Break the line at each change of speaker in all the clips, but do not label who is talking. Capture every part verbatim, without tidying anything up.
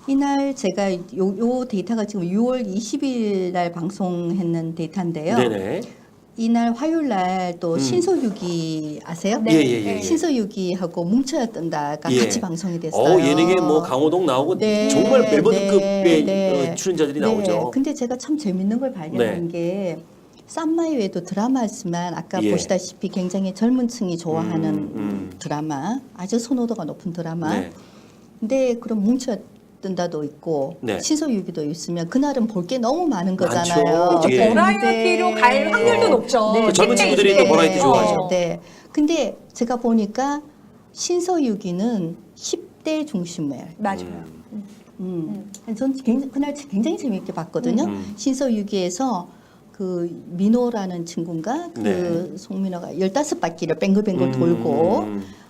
이날 제가 요, 요 데이터가 지금 유월 이십일 날 방송했는 데이터인데요.
네네.
이날 화요일 날 또
음.
신서유기 아세요?
예, 예, 예, 예.
신서유기하고 뭉쳐야 뜬다가
예.
같이 방송이 됐어요.
어, 예능에 뭐 강호동 나오고
네,
정말 멜버드급의
네, 네.
어, 출연자들이
네.
나오죠.
근데 제가 참 재밌는 걸 발견한
네.
게 쌈마이 외에도 드라마지만 아까
예.
보시다시피 굉장히 젊은 층이 좋아하는
음, 음.
드라마, 아주 선호도가 높은 드라마.
네.
근데 그럼 뭉쳐 뜬다도 있고
네.
신서유기도 있으면 그날은 볼 게 너무 많은 거잖아요.
많죠.
그렇죠.
예.
버라이어티로 갈 확률도
어.
높죠.
그 젊은
십 대,
친구들이
이십
또
대.
버라이어티
네,
좋아하죠.
네. 근데 제가 보니까 신서유기는 십 대 중심이에요.
맞아요.
음.
음. 전 굉장히, 그날 굉장히 재미있게 봤거든요.
음.
신서유기에서 그 민호라는 친구인가 그
네.
송민호가 열다섯 바퀴를 뱅글뱅글
음.
돌고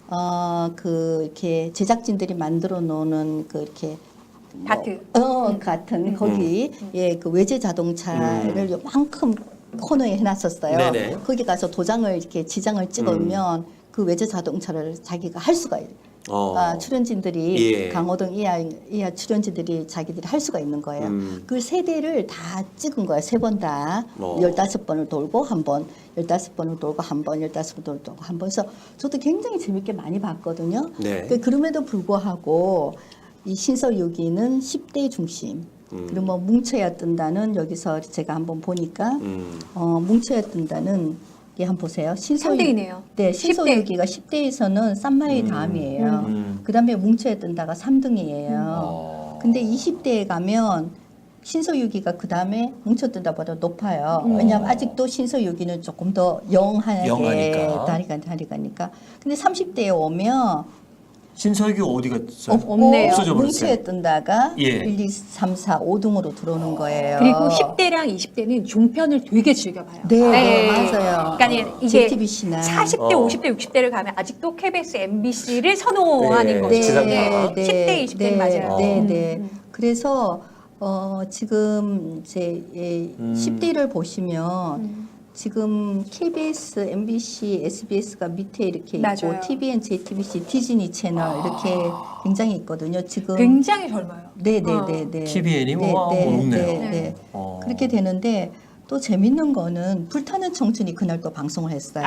어 그 이렇게 제작진들이 만들어 놓는 그 이렇게 뭐,
다트.
어 같은 거기 예 그 외제 자동차를 요만큼 코너에 해놨었어요.
네네.
거기 가서 도장을 이렇게 지장을 찍으면 그 외제 자동차를 자기가 할 수가 있.
어.
아, 출연진들이
예.
강호동 이하 이하 출연진들이 자기들이 할 수가 있는 거예요.
음.
그 세 대를 다 찍은 거예요. 세 번 다.
어.
열다섯 번을 돌고 한 번, 열다섯 번을 돌고 한 번, 열다섯 번을 돌고 한 번. 그래서 저도 굉장히 재밌게 많이 봤거든요.
네.
그 그럼에도 불구하고 이 신서유기는 십 대 중심.
음.
그리고 뭐 뭉쳐야 뜬다는 여기서 제가 한번 보니까
음.
어, 뭉쳐야 뜬다는 이 한번 보세요. 신서유,
삼 대이네요.
네,
십 대.
신서유기가 십 대에서는 쌈마이 다음이에요.
음.
그다음에 뭉쳐야 뜬다가 삼 등이에요.
어.
근데 이십 대에 가면 신서유기가 그다음에 뭉쳐 뜬다보다 높아요.
음.
왜냐하면 아직도 신서유기는 조금 더 영하게
영하니까.
다리가 다리가니까. 근데 삼십 대에 오면
신서유기 어디 갔어요?
없고
없네요.
없어져 버렸어요.
뭉쳐야 뜬다가
예.
일, 이, 삼, 사, 오 등으로 들어오는 거예요.
그리고 십 대랑 이십 대는 종편을 되게 즐겨봐요.
네, 네, 맞아요.
그러니까 이게
제이티비씨나
사십 대,
어.
오십 대, 육십 대를 가면 아직도 케이비에스, 엠비씨를 선호하는
네,
거죠.
지상파.
네, 십 대, 이십 대는 맞아요.
네,
음,
네.
음.
그래서 어, 지금 이제 예,
음.
십 대를 보시면
음.
지금 케이비에스, 엠비씨, 에스비에스가 밑에 이렇게 있고
맞아요.
티비엔, 제이티비씨, 디즈니 채널 이렇게 굉장히 있거든요. 지금
굉장히 젊어요.
네, 네,
어.
네, 네.
티비엔이
네,
와,
네,
높네요.
네, 네.
어.
그렇게 되는데 또 재밌는 거는 불타는 청춘이 그날 또 방송을 했어요.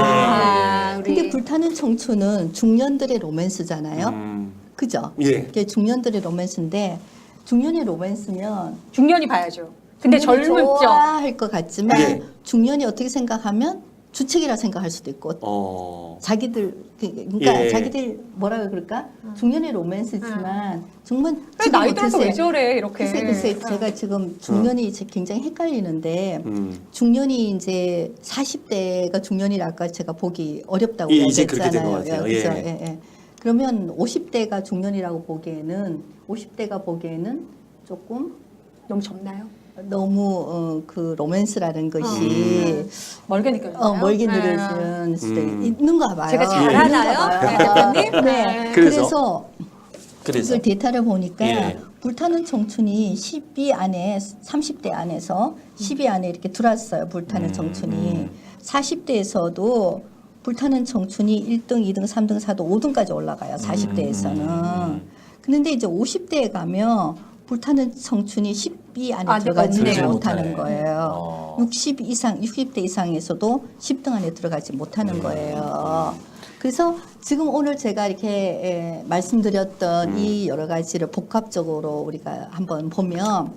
아, 우리
근데 불타는 청춘은 중년들의 로맨스잖아요.
음.
그죠?
예.
그게 중년들의 로맨스인데 중년의 로맨스면
중년이 봐야죠. 근데
중년이
젊죠.
좋아할 것 같지만
예.
중년이 어떻게 생각하면 주책이라 생각할 수도 있고
어.
자기들 그- 그러니까
예.
자기들 뭐라 그럴까 중년의 로맨스지만 정말
그래,
지금
나이 들어서
글쎄-
왜 저래 이렇게.
글쎄 글쎄
어.
제가 지금 중년이 이제 굉장히 헷갈리는데
음.
중년이 이제 사십 대가 중년이라 아까 제가 보기 어렵다고
예, 이제 그렇게 된
이야기했잖아요.
것 같아요.
그죠?
예.
예, 예. 그러면 오십 대가 중년이라고 보기에는 오십 대가 보기에는 조금
너무 젊나요?
너무 어, 그 로맨스라는 것이
음. 멀게 느껴지나요?
어, 멀게
네.
느껴지는 수도
음.
있는가 봐요.
제가 잘
있는가
알아요,
봐요.
대표님?
네.
네.
그래서?
그래서
그래서
이걸 데이터를 보니까
예.
불타는 청춘이 십이 안에 삼십 대 안에서 십이 안에 이렇게 들어왔어요. 불타는
음,
청춘이
음.
사십 대에서도 불타는 청춘이 일 등, 이 등, 삼 등, 사 등, 오 등까지 올라가요. 사십 대에서는.
음.
그런데 이제 오십 대에 가면 불타는 청춘이 십이 안에
아, 네,
들어가지
없네요.
못하는
못하네.
거예요.
어.
육십 이상, 육십 대 이상에서도 십 등 안에 들어가지 못하는 거예요. 그래서 지금 오늘 제가 이렇게 에, 말씀드렸던 이 여러 가지를 복합적으로 우리가 한번 보면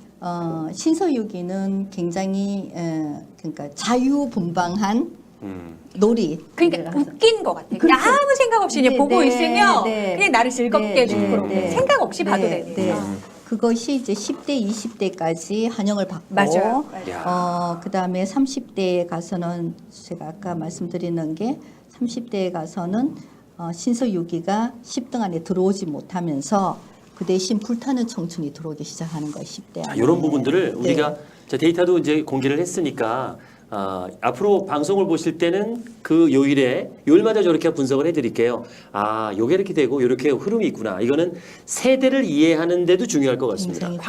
어, 신서유기는 굉장히 에, 그러니까 자유분방한
음.
놀이.
그러니까 웃긴 것 같아요.
그렇죠.
그냥 아무 생각 없이 그냥
네,
보고
네,
있으면
네.
그냥 나를 즐겁게
네,
해주고
네,
그렇게
네.
생각 없이 봐도
네,
되는.
네.
어.
그것이 이제 십 대, 이십 대까지 환영을 받고
맞아요. 맞아요.
야.
어, 그다음에 삼십 대에 가서는 제가 아까 말씀드리는 게 삼십 대에 가서는 어, 신서유기가 십 등 안에 들어오지 못하면서 그 대신 불타는 청춘이 들어오기 시작하는 거예요. 십 대
자,
안에.
이런 부분들을
네.
우리가 자, 데이터도 이제 공개를 했으니까 아, 앞으로 방송을 보실 때는 그 요일에 요일마다 저렇게 분석을 해드릴게요. 아, 요게 이렇게 되고 이렇게 흐름이 있구나. 이거는 세대를 이해하는 데도 중요할 것 같습니다.
굉장히